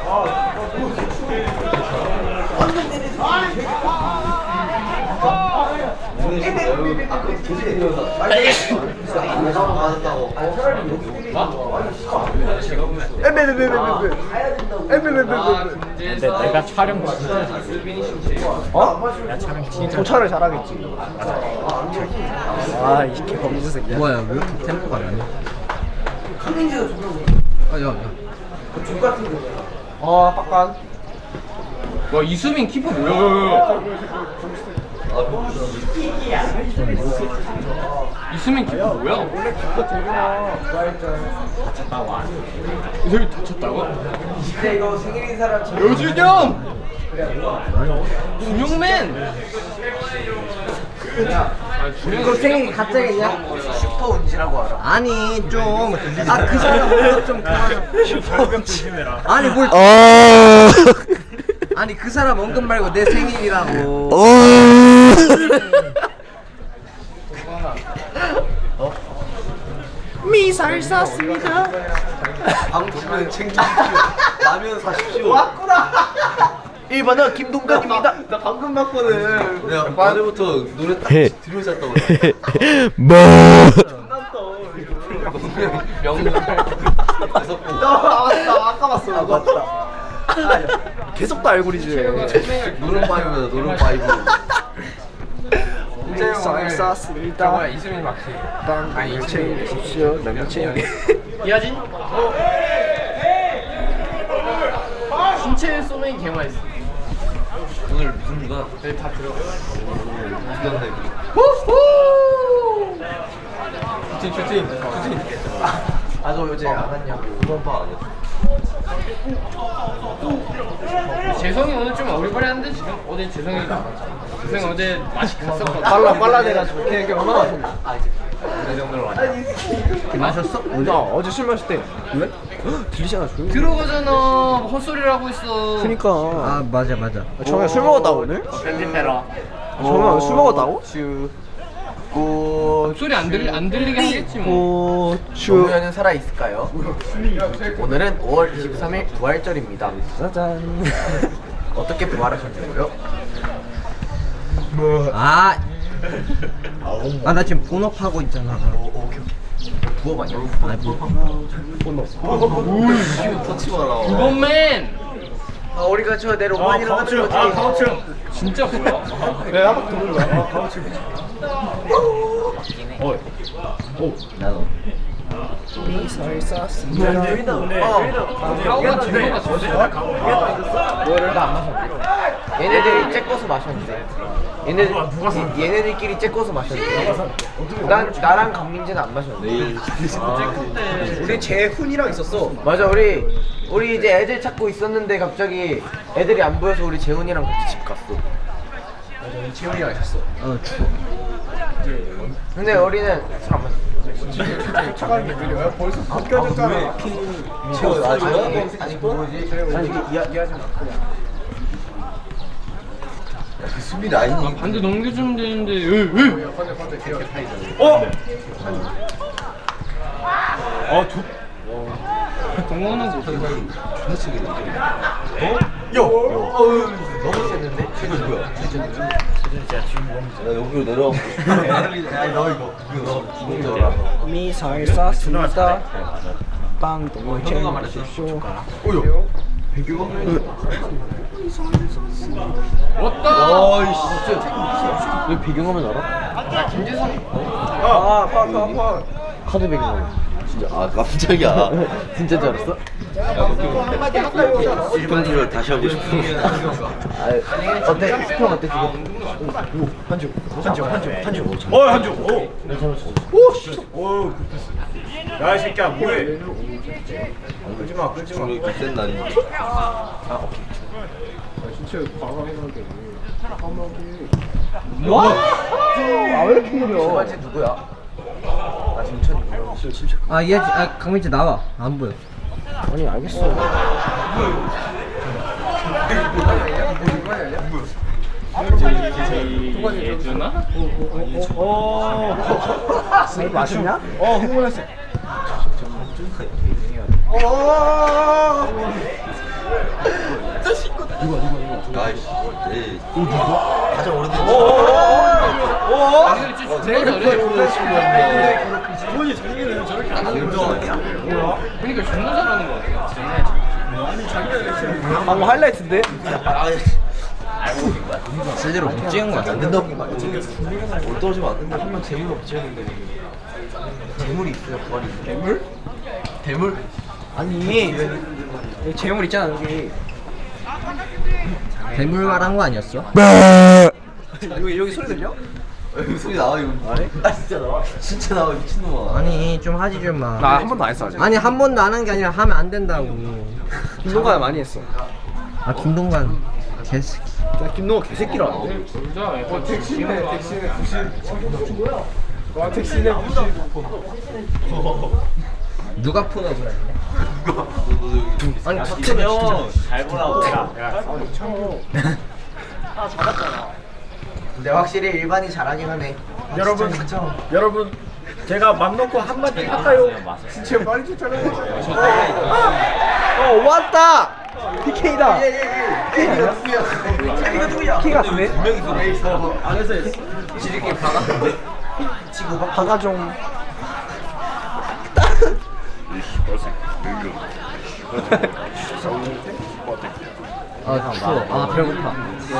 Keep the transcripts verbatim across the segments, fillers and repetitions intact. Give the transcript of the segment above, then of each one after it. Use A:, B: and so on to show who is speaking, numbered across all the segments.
A: 근데 내가 촬영 어? 내가 촬영 진짜
B: 도착을 잘하겠지. 아, 이 범죄 새끼야.
C: 뭐야 왜 이렇게 템포가 안 나? 아, 야, 야.
B: 어, 빡간.
A: 와 이수민 키퍼 뭐야? 이수민 키퍼 뭐야? 원래 키퍼 되구나. 다쳤다고. 여기 다쳤다고?
B: 근데 이거 생일인 사람
A: 여준영! 준영맨!
B: 이거 생일 가짜겠냐? 슈퍼 운지라고 알아.
C: 아니 좀.
B: 아, 그 사람 오늘 좀 그만.
A: 슈퍼 조심해라.
C: 아니 뭘?
D: 어.
C: 아니 그 사람 언급 말고 내 생일이라고.
D: 어.
B: 미사를 쐈습니다.
C: 방출은 챙기십시오. 라면 사십시오.
B: 왔구나. 일 번은 김동관입니다.
C: 나 방금 봤거든. 내가 어제부터 노래 딱
D: 해.
C: 들으셨다고.
D: 뭐.
C: 명절.
B: 나 아까 봤어. 아, 맞다. 계속 다 알고리즘.
C: 노른바이브다 노른바이브.
B: 미사를 쐈습니다.
A: 이수민 막히.
B: 땅을 챙기십시오. 남녀 챙기.
A: 이하진? 신체 쏘면 개 맛있어.
C: 오늘 무슨 누가?
A: 네, 다 들어가.
C: 무슨 슈팅 슈팅 슈팅.
B: 아, 너 어제 안 왔냐고.
C: 후반파 아니야?
A: 재성이 오늘 좀 어리버리한데 지금? 어제 재성이 나왔잖아. 재성이 어제 맛이 갔었거든.
B: 빨라 빨라 돼가지고 걔 얼마나 마셨냐?
A: 그 정도로 많이.
C: 마셨어?
B: 나 어제 술 마실 때 왜? 들리잖아 술.
A: 들어가잖아. 헛소리를 하고 있어.
B: 그니까.
C: 아 맞아 맞아.
B: 정현 술 먹었다고 오늘?
A: 편집해라.
B: 정현 술 먹었다고? 슈. 고.
A: 소리 안 들리 안 들리게 하겠지 뭐.
B: 고추.
E: 노무현은 살아 있을까요? 오늘은 오월 이십삼일 부활절입니다.
B: 짜잔.
E: 어떻게 부활하셨냐고요?
C: 아. 아 나 지금 본업하고 있잖아.
E: 부업 아니야?
C: 아니 뭐.
E: 터치 마라.
A: 두번맨.
E: 아, 우리가 저 내일 오만이랑 하는 거지.
A: 진짜 뭐야?
B: 왜 한바퀴 도는 거야?
C: 나도.
B: 미사일 쐈습니다.
A: 가오가 진로가 진짜.
E: 뭐를 다 안 마셨는데? 얘네들이 째꼬서 마셨는데. 얘네들 이- 얘네들끼리 째꼬서 마셨는데. 난 나랑 강민재는 안 마셨는데.
C: 내일.
B: 우리 재훈이랑 있었어.
E: 맞아 우리 우리 이제 애들 찾고 있었는데 갑자기 애들이 안 보여서 우리 재훈이랑 같이 집 갔어.
B: 재훈이랑 있었어.
C: 어 추워.
E: 근데 우리는 술 안 마셨어.
B: 차가는 게 느려요? 벌써 바뀌어졌잖아.
C: 최고 아 저요?
E: 아니 뭐지?
B: 아니 이야기하지 마.
C: 수빈 아니니?
A: 반대 넘겨주면 되는데. 으, 으.
B: 어?
A: 아 두. 동원은 못 한다.
E: 너무 셌는데?
C: 최고 누구야? 나 여기로 내려와. 아니 너 이거 이거 너 기본적으로.
B: 미사일 쐈습니다. 빵동을 챙기십시오.
C: 오요.
A: 왔다.
C: 아이씨 진짜. 왜 배경화면 알아?
A: 나 김재성.
B: 아, 팍, 팍, 팍.
C: 카드 배경화면. 진짜 아 깜짝이야. 진짜 줄 알았어? 스펀지를 다시 하고 싶어.
E: 아, 어때? 스평 어때 지금?
B: 한주, 한주, 한주, 한주.
F: 어 한주 오. 오 씨. 오. 야 이 새끼야 뭐해? 끌지 마 끌지 마.
C: 중력이 센 날이.
B: 와! 아, 왜 이렇게 느려?
E: 두 번째 누구야? 나 김천이야.
C: 아 얘, 아 강민재 나와. 안 보여.
B: 아니, 알겠어.
A: 예준아?
B: 어, 술 마셨냐?
F: 어 흥분했어.
B: 어,
C: 아이씨. 네. 가장 오래된
A: 아니 진짜 존나 잘해.
F: 기본이 자기는 저렇게 안
C: 김정 아니야?
A: 그러니까 존나 잘하는 거 같아.
E: 방금 하이라이트인데?
C: 실제로 못 찍은 거야. 안 된다고 올 떨어지면 안 된다. 한명 재물 없지 했는데. 재물이 있어요. 부활이 있어. 재물? 대물?
B: 아니 여기 재물 있잖아 여기. 괴물 말한 거 아니었어?
E: 여기 여기 소리 들려?
C: 여기 소리 나와 이거. 안 해? 아 진짜 나와. 진짜 나와 미친놈아.
B: 아니 좀 하지 좀 마.
E: 나 한 번도 안 했어 아직.
B: 아니 한 번도 안 한 게 아니라 하면 안 된다고.
E: 김동관 많이 했어.
B: 아 김동관 개새끼.
E: 야 김동관 개새끼라는데?
A: 진짜 어 택시네 택시네
F: 와 택시네 부시
B: 누가 푸는 그래?
C: 아니 박태면 잘 보라고.
B: 근데 확실히 일반이 잘하긴 하네.
F: 여러분 여러분 제가 맘 놓고 한마디 할까요? 진짜 빨리 쫓아가요.
E: 어 왔다. 피케이다.
C: K가 누구야? K가 누구야?
E: 키 같은데?
C: 두 명이 있어. 안에서 지들끼리 박았는데. 지구 박.
E: 박아 좀.
B: 아 추워. 아 배고파.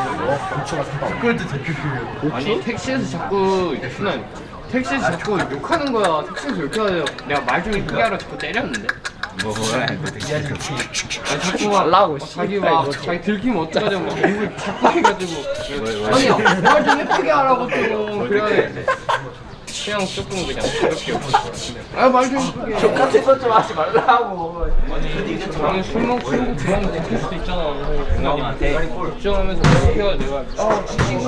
A: 아니 택시에서 자꾸 순간 택시에서 자꾸 욕하는 거야. 택시에서 욕하는 내가 말 좀 이쁘게 하라 자꾸 때렸는데. 뭐야? 아니 자꾸 막
E: 달라고,
A: 자기 막 자기 들키면 어쩌자고 막 욕을 자꾸 해가지고 아니 말 좀 예쁘게 하라고 좀 그래. 그냥 조금 그냥 가볍게 아말 좀 예쁘게.
E: 똑같은 것좀 하지 말라고.
A: 아니 술 먹고 술 먹고 들어가면 들킬 수도 있잖아. 부모님한테 걱정하면서 그렇게 해야 내가 아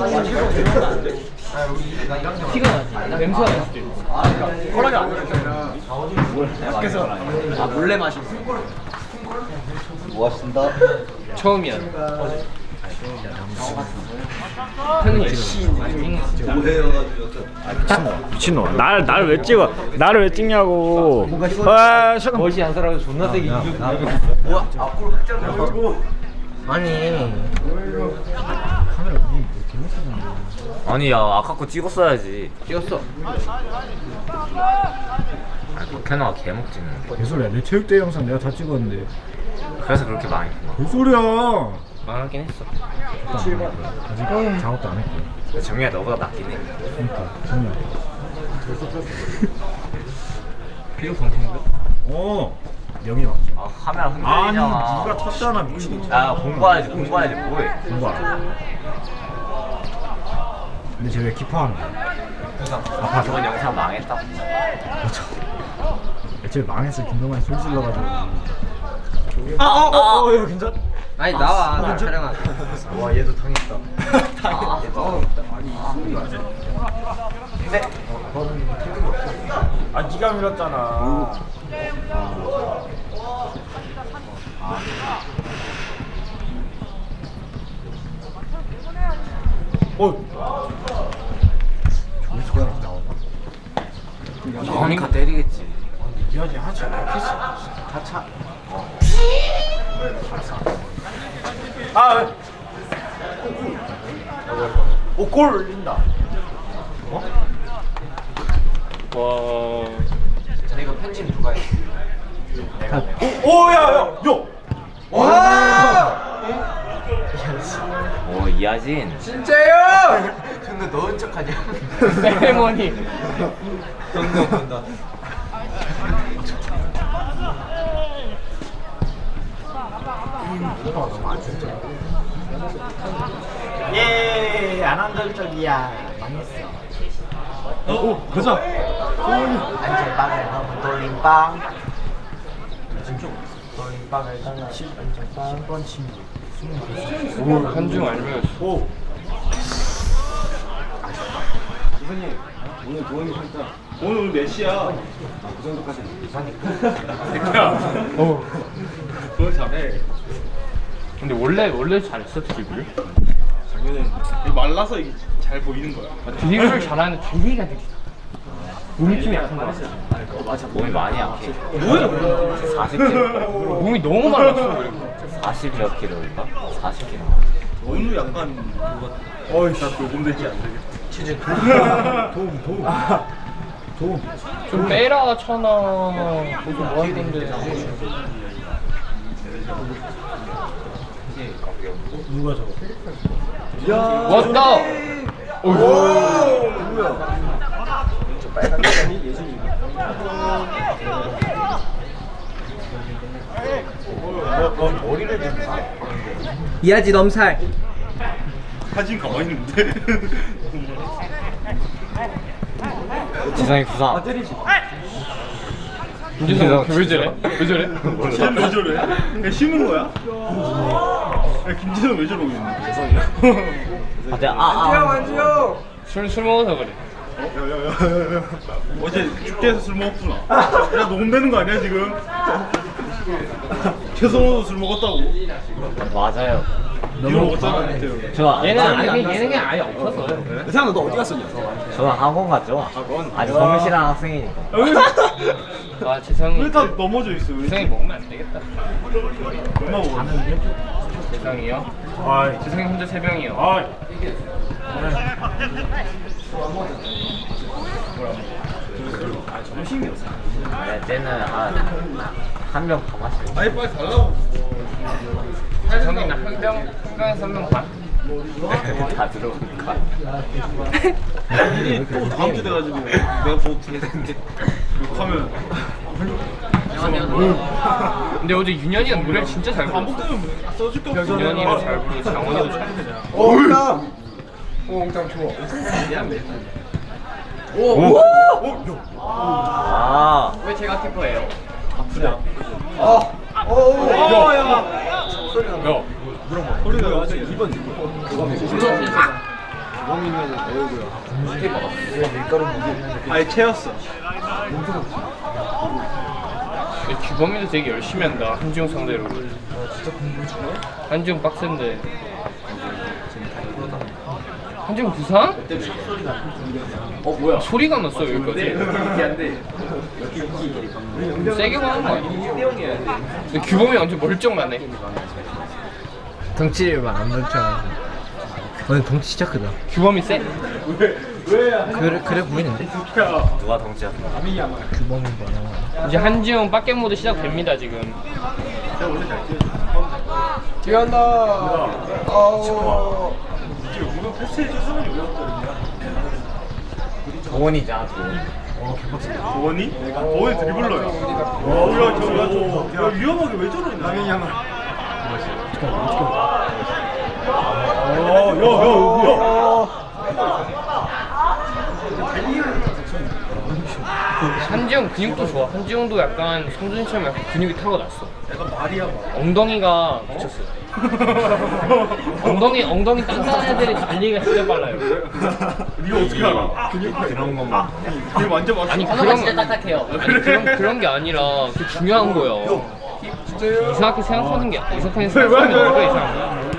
A: 티가 나지. 냄새가 날 수도 있고.
F: 허락이 안 됐잖아. 밖에서
B: 아 몰래 마셨어.
C: 뭐 하신다?
A: 처음이야. 형님
C: 뭐해요?
F: 미친놈 날 날 왜 찍어? 나를 왜 찍냐고. 아 잠깐.
E: 멋이 안 살아서 존나 세게 이기고.
C: 뭐야? 앞으로 흑장 나오고.
B: 아니
G: 아니 야 아까 거 찍었어야지.
B: 찍었어.
G: 아 박현아가 개목 찍는.
F: 개소리야. 내 체육대회 영상 내가 다 찍었는데.
G: 그래서 그렇게 망했구나.
F: 개소리야.
G: 망하긴 했어.
F: 아직 작업도 안 했고.
G: 근데 정민아 너보다 낫긴 해.
F: 그러니까 정말.
G: 비록 방송인가?
F: 어. 명이 왔죠.
G: 아 카메라
F: 아니
G: 흔들리잖아.
F: 네가 탔잖아 미친.
G: 야 공부해야지 공부해야지 뭐해.
F: 공부 안 해. 근데 쟤 왜 기뻐하는 거야?
G: 아 저번 영상 망했다.
F: 애초에 망했어. 김동환이 소리 질러가지고. 아어어 어, 어, 괜찮?
B: 아니 나와 나 촬영하자.
F: 와 얘도 당했다.
E: 네.
F: 아 네가 밀었잖아. 어. 저기서 그냥 나오나?
G: 정민이가 때리겠지.
F: 미안해 하지 않아. 키스. 다 차. 아. 왜? 오골 올린다. 어?
A: 와.
E: 자 이거 편집 누가 해?
F: 오, 야, 야, 요.
G: 오 이하진.
E: 진짜요? 근데 넣은 척하냐?
A: 세레머니.
E: 정도 본다.
F: 예, 안 한걸적이야. 망했어. 어, 오, 가자.
E: 안전빵을 넣은 돌림빵. 돌림빵을 넣은 안전빵.
F: 십 번 친구.
A: 오 한중 알면.
F: 오. 오늘 몇 시야? 그 정도까지. 야, 어, 그걸 잘해.
A: 근데 원래 원래 잘했어 드리블.
F: 작년에 말라서 이게 잘 보이는 거야.
A: 아, 드리블을 잘하는 드리가 되게. 몸이 좀 약한 거야.
G: 몸이 많이 약해.
A: 뭐야?
G: 사십 킬로.
A: 몸이 너무 말랐어 그리고.
G: 사십 몇 킬로인가? 사십 킬로.
F: 오늘 약간 그거 어이 나 녹음되지 안 되게 치즈 도움 도움 도움
A: 좀 빼라 천아. 무슨 뭐 하던데.
F: 누가 저거
A: 왔다. 오.
F: 머리를 좀
B: 이하지 넘살.
F: 사진 가만히 있는데
G: 지성이 부상.
A: 김지성 왜 저래? 왜 저래?
F: 쟤는 왜 저래? 그냥 쉬는 거야? 야, 김진호 왜 저러고 있는 거야? 죄송해요
G: 아, 내가 아, 아.
B: 완지요.
A: 술 술 먹어서 그래.
F: 야야야야야 어제 축제에서 술 먹었구나 야 녹음되는 거 아니야 지금? 최성호도 술 먹었다고
G: 맞아요.
F: 니도 먹었잖아 그때
G: 저
A: 얘는 아니 얘는 아예 없었어요.
C: 세상아 너 어디 갔었냐?
G: 저는 학원 갔죠. 아직 성실한 학생이니까.
A: 아 지성이.
F: 왜 다 넘어져 있어 왜?
A: 지성이 먹으면 안 되겠다.
F: 얼마 먹었는데?
A: 지성이요?
F: 아이
A: 지성이 혼자 세 병이요.
F: 아이
G: 네, 쟤는 한한 병 더 마시고.
F: 아이 빨리 달라고
A: 지성이는 한 병, 한 병에서 한 병 반.
G: 다 들어오니까.
F: 일이 또 다음 주 돼가지고 내가 보고 듣는데 욕하면
A: 근데 어제 윤현이가 노래를 진짜 잘 불렀어.
F: 반복되면 써줄 게 없어
A: 윤현이도 잘 부르고 장원이도 잘 부르고.
B: 옹담. 옹담 좋아.
G: 아,
A: 왜 제가 키퍼예요?
B: 어. 오.
F: 야야
A: 너.
F: 소리가 어제 이번 아예 채였어
A: 규범이도 되게 열심히 한다. 한지웅 상대로. 한지웅 빡센데. 한지웅 부상? 어 뭐야? 소리가 났어 여기까지. 세게 가는 거 아니야? 근데 규범이 완전 멀쩡하네.
B: 덩치만 안 멀쩡해. 오늘 덩치 진짜 크다.
A: 규범이 세?
B: 그래 그래 보이는데?
G: 누가 덩치야?
B: 규범인 거야.
A: 이제 한지웅 빡겜 모드 시작됩니다 지금.
B: 뛰어나. 어.
G: 도원이잖아, 도원.
F: 도원이? 도원이 드리블러야 어야 저야 야 위험하게 왜 저러냐 남의 양을
A: 한지웅 근육도 좋아. 한지웅도 약간 성준이처럼 약간 근육이 타고났어. 엉덩이가 미쳤어. 엉덩이 엉덩이 단단한 애들이 달리기가 진짜 빨라요.
F: 니가 어떻게 알아?
G: 그런 것만.
F: 니 완전 맞아
A: 아니 그런 진짜 딱딱해요. 아니 그런 그런 게 아니라 그 중요한 거예요. 이상하게 생각하는 게 이상하게 생각하는 게 뭐가 이상한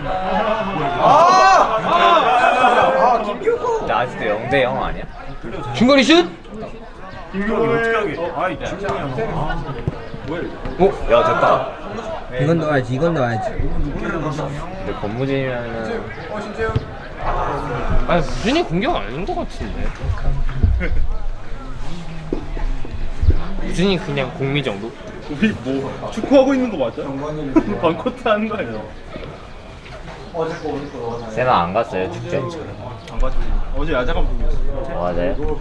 A: 거야?
G: 근데 아직도 영 대 영 아니야?
A: 중거리 슛?
F: 김경호 어떻게 하게 아이 진짜
G: 야, 됐다.
B: 이건 넣어야지. 이건 넣어야지.
G: 근데 권무진이면은
A: 아니 무진이 공격 아닌 것 같은데. 무진이 그냥 공미 정도?
F: 우리 뭐 축구하고 있는 거 맞아? 반코트 하는 거 아니야?
G: 세나 안 갔어요, 축제?
F: 안 봤지 어제 야자 감독이었어
G: 맞아요.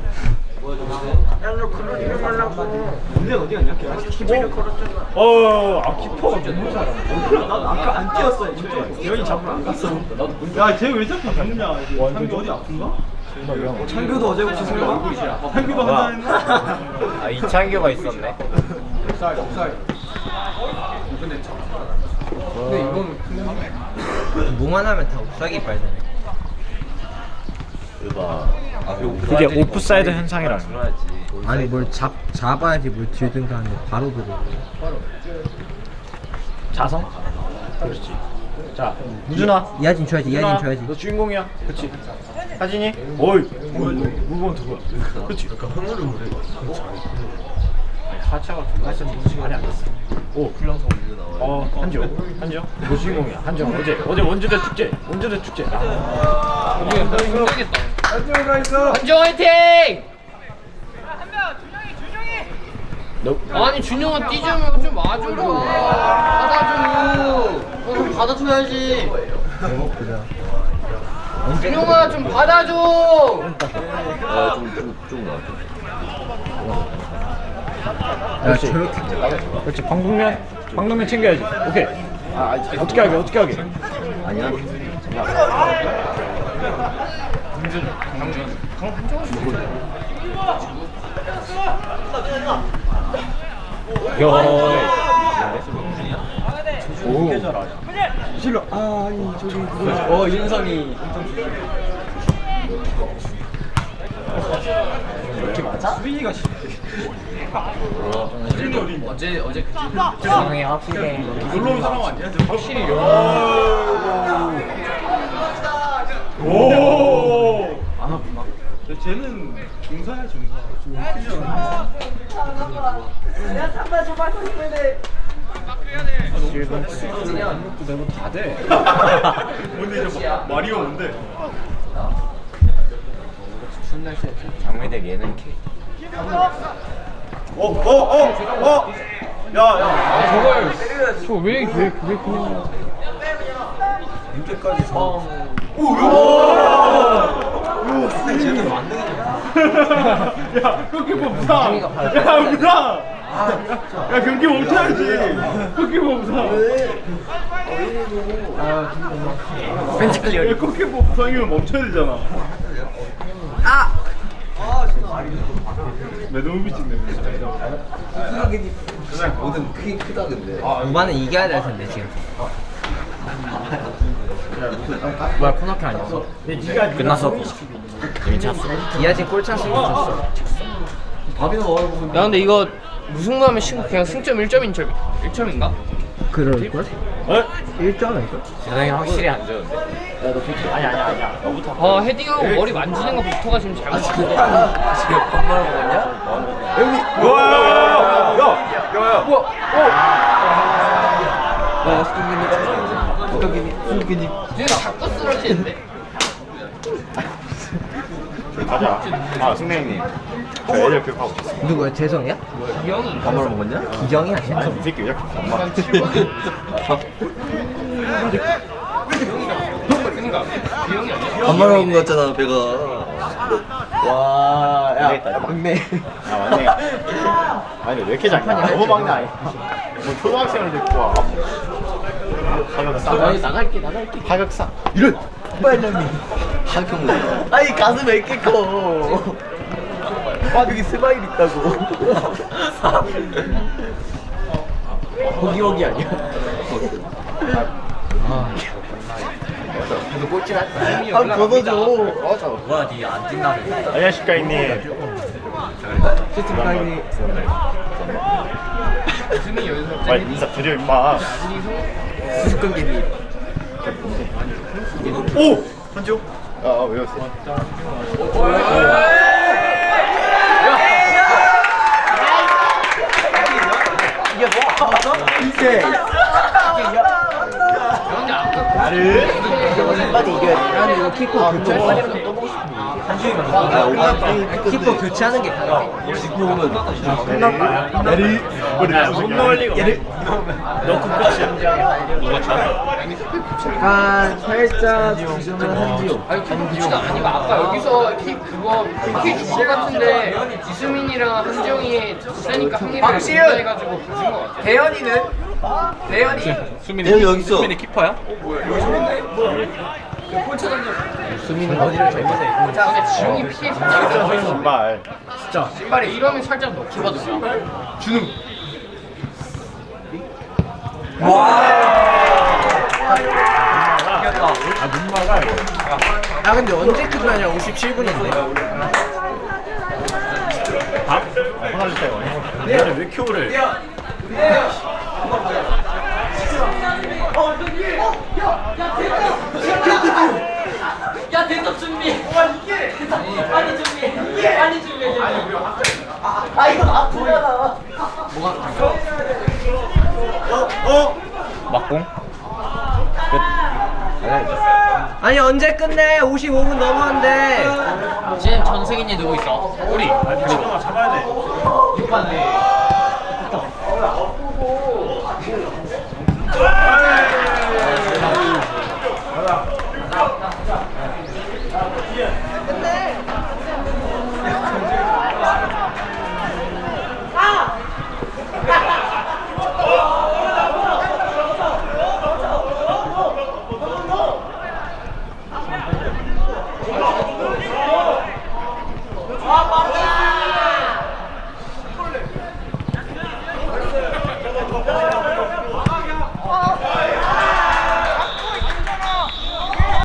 F: 어, 아 키퍼가 너무 잘하네. 나 아까 안 뛰었어. 진짜. 여기 잡으러 안 갔어. 야, 쟤 왜 자꾸 죽냐? 창규 어디 아픈가?
C: 창규도 어제 혹시 설마?
F: 창규도
G: 뭐야?
F: 한다 했나?
G: 아, 이창규가 있었네.
B: 근데 이건 뭐만 하면 다 옵사기 빨잖아.
G: 으바.
C: 그게 오프사이드 현상이라는 거야.
B: 아니 뭘 잡 잡아야지 뭘 뒤든가 하는데 바로 들어.
C: 자성? 그렇지. 자, 무준아.
B: 이하진 줘야지. 이하진 줘야지.
C: 너 주인공이야. 그렇지. 하진이. 어이. 물건 누구야? 그렇지.
A: 사차가 같이 시간이 안 됐어.
C: 오 불량성 우유 나와요.
F: 어 한지영 한지영 너 주인공이야. 한지영 어제 어제 원주대 축제 원주대 축제. 아.
A: 우리가 너무 힘들겠다.
C: 한지영 가 있어.
A: 한정 화이팅! 아니 준영아 뛰자면 좀 와줘. 받아줘. 어, 좀 받아줘야지. 준영아 좀 받아줘.
C: 아좀좀좀 나와.
F: 그렇지. 그렇지. 방독면 방독면 챙겨야지. 오케이. 아 어떻게 하게 어떻게 하게.
C: 아니야.
F: 야. 오. 실로. 아 아니 저기 그거.
C: 어 윤성이.
F: 이렇게 맞아? 수빈이가
A: 어제 어제 그
E: 세상에 확실해.
F: 놀러 온 사람 아니야?
A: 확실히
F: 오. 안 아프나? 쟤는 중사야 중사. 내가 다 돼. 뭔데 이제 마- 마리오 뭔데?
G: 장미대 예능 K.
F: 어, 어, 어, 어. 야, 야.
A: 저걸 저왜왜 왜 그냥
F: 이제까지 저. 오, 오. 쟤는 만능이야. 야, 골키퍼 무상. 야, 무상. 야, 경기 멈춰야지. 골키퍼 무상. 벤치 클리어. 야, 골키퍼 무상이면 멈춰야 되잖아. 아. 왜 너무 미친네.
C: 그냥 모든 크긴 크다 근데.
E: 우바는 이겨야 될 텐데 지금. 뭐야 코너킥 아니었어?
G: 끝났어. 이미 찼어.
E: 이하진 골 찬스는 쳤어.
C: 밥이나 먹으러 먹으면.
A: 야 근데 이거 무승부하면 신고 그냥 승점 일 점인 점 일 점인가?
E: 그럴걸?
F: 어?
E: 일 점 아닐까?
G: 세상이 확실히 안 좋은데.
F: 아니 아니 아니야. 너부터.
A: 아 헤딩하고 머리 만지는 것부터가 지금 잘못된 거
C: 지금 밥 먹으러 먹었냐? 여기.
F: 와, 야, 야, 야.
A: 뭐야?
C: 야 수근님. 수근님. 수근님.
A: 쟤는 자꾸 쓰러지는데?
F: 가자. 아, 승래님. 저 애들 교육하고 있어.
E: 누구야? 재성이야?
A: 기영이
C: 밥 먹으러 먹었냐?
E: 기정이 아니야?
F: 이 새끼 왜 이렇게 엄마.
A: 한 칠 번 그니까 기영이 아니야?
C: 밥 먹으러 먹은 거 같잖아 배가. 와, 야,
F: 되겠다, 이거.
C: 막내.
F: 아, 맞네. 아니, 왜 이렇게 작냐? 너무 막내 아니야. 뭐 초등학생을 데리고 와. 가격 싸.
A: 나갈게 나갈게
F: 가격 싸.
C: 이런 빨량이. 하경. 아니 가슴 왜 이렇게 커? 아 여기 스마일 있다고.
E: 호기호기 아니야?
A: 너 꼴찌 할 거야
C: 한 걷어줘.
G: 뭐야 니안 뛴다며.
F: 안녕하십니까 형님.
C: 시스템까지.
A: 승이 여기서
F: 빨리 인사 드려 임마.
C: 수수깡개비.
F: 오! 한지호? 아, 아 외웠어.
C: 이게 뭐? 이제.
F: 나를
C: 빨리 이겨야 돼.
E: 나는 이거 키퍼 교체. 키퍼 교체하는 게 가능해.
C: 끝났다. 내리.
F: 우리 못 넣을 리가 없어. 넣고 끝이야. 누가 차?
E: 약간 살짝 주저는 한지호.
A: 아니 킥보치가 아니고 아까 여기서 킥 그거 킥 주거 같은데 이수민이랑 한정이 세니까 한일이
E: 박시윤!
A: 해가지고 가진 거 같아
E: 대현이는? 대현이?
C: 내가 여기 있어.
A: 키퍼야?
E: 수민은 어디를 잘못해?
A: 근데 지웅이 피해 살짝
F: 정말.
A: 신발에 이러면 살짝 넣기거든요 준우
E: 아 근데 언제 끝나냐? 오십칠 분인데.
F: 밥? 하나 주세요. 얘는 왜 큐브를?
A: 야 대답 준비 빨리 준비 빨리 준비
C: 아 이거 아프잖아.
G: 공?
E: 아니 언제 끝내? 오십오 분 넘었는데.
B: 지금 전승인이 누구 있어?
F: 우리. 잡아야 돼.